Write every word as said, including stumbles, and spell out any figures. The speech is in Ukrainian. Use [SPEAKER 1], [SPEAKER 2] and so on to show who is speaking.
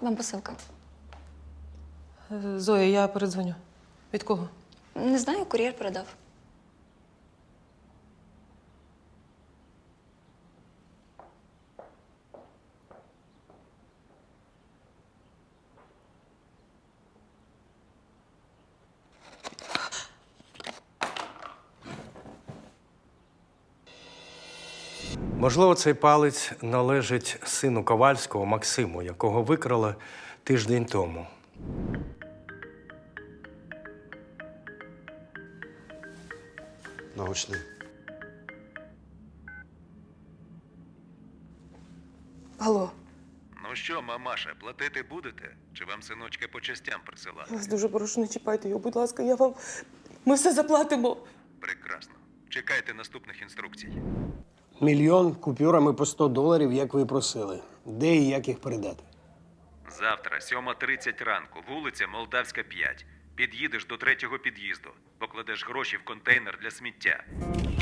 [SPEAKER 1] вам посилка.
[SPEAKER 2] Е, Зоя, я передзвоню. Від кого?
[SPEAKER 1] Не знаю, кур'єр передав.
[SPEAKER 3] Можливо, цей палець належить сину Ковальського Максиму, якого викрали тиждень тому.
[SPEAKER 4] Научний.
[SPEAKER 2] Алло,
[SPEAKER 5] Ну що, мамаша, платити будете? Чи вам синочка по частям присилати?
[SPEAKER 2] я вас дуже прошу, не чіпайте його, будь ласка, я вам. Ми все заплатимо.
[SPEAKER 5] Прекрасно. Чекайте наступних інструкцій.
[SPEAKER 6] Мільйон купюрами по сто доларів, як ви і просили. Де і як їх передати?
[SPEAKER 5] Завтра, сьома тридцять ранку, вулиця Молдавська, п'ять. Під'їдеш до третього під'їзду. Покладеш гроші в контейнер для сміття.